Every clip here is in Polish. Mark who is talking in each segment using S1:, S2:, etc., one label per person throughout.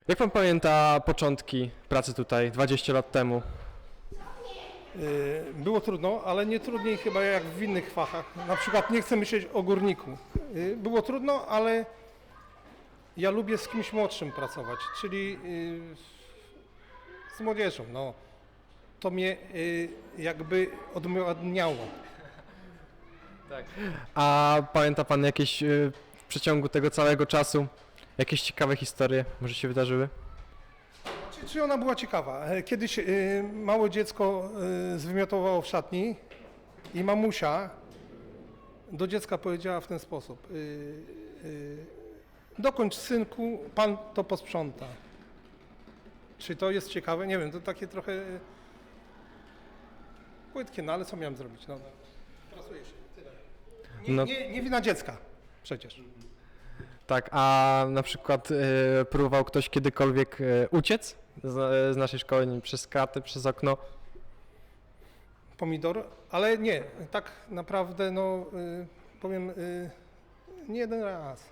S1: Jak pan pamięta początki pracy tutaj 20 lat temu?
S2: Było trudno, ale nie trudniej chyba jak w innych fachach. Na przykład nie chcę myśleć o górniku. Było trudno, ale ja lubię z kimś młodszym pracować, czyli z młodzieżą. No. To mnie jakby odmieniało.
S1: Tak. A pamięta pan jakieś w przeciągu tego całego czasu jakieś ciekawe historie może się wydarzyły?
S2: Czy ona była ciekawa? Kiedyś małe dziecko zwymiotowało w szatni i mamusia do dziecka powiedziała w ten sposób: dokończ, synku, pan to posprząta. Czy to jest ciekawe? Nie wiem, to takie trochę płytkie, no ale co miałem zrobić? No, pracuje się, tyle.
S1: No.
S2: Nie wina dziecka przecież.
S1: Tak, a na przykład próbował ktoś kiedykolwiek uciec z naszej szkoły, nie wiem, przez kraty, przez okno?
S2: Pomidor, ale nie, tak naprawdę, no powiem, nie jeden raz.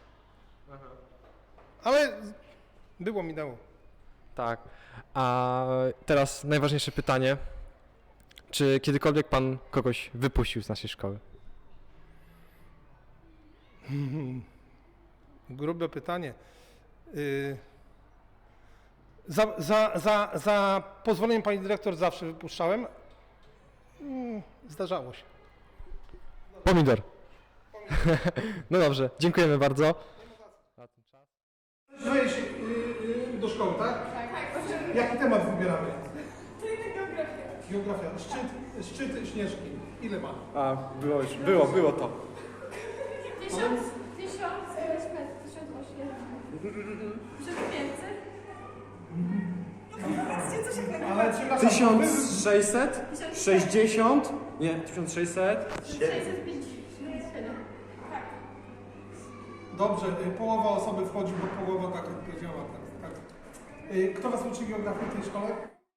S2: Ale było, minęło.
S1: Tak. A teraz najważniejsze pytanie. Czy kiedykolwiek pan kogoś wypuścił z naszej szkoły?
S2: Grube pytanie. Za pozwoleniem pani dyrektor zawsze wypuszczałem. Zdarzało się.
S1: Pomidor. No dobrze, dziękujemy bardzo.
S2: Wejdź do szkoły, tak? Tak. Jaki temat wybieramy? Geografia. Geografia. Szczyt Śnieżki. Ile ma?
S3: A, było to.
S4: 1000 metrów, 1800. 1500?
S2: Ale przepraszam,
S3: 1600? 60? Nie, 1600?
S4: 657. Tak.
S2: Dobrze, połowa osoby wchodzi, bo połowa tak odpowiedziała. Tak. Kto was uczy geografii w tej szkole?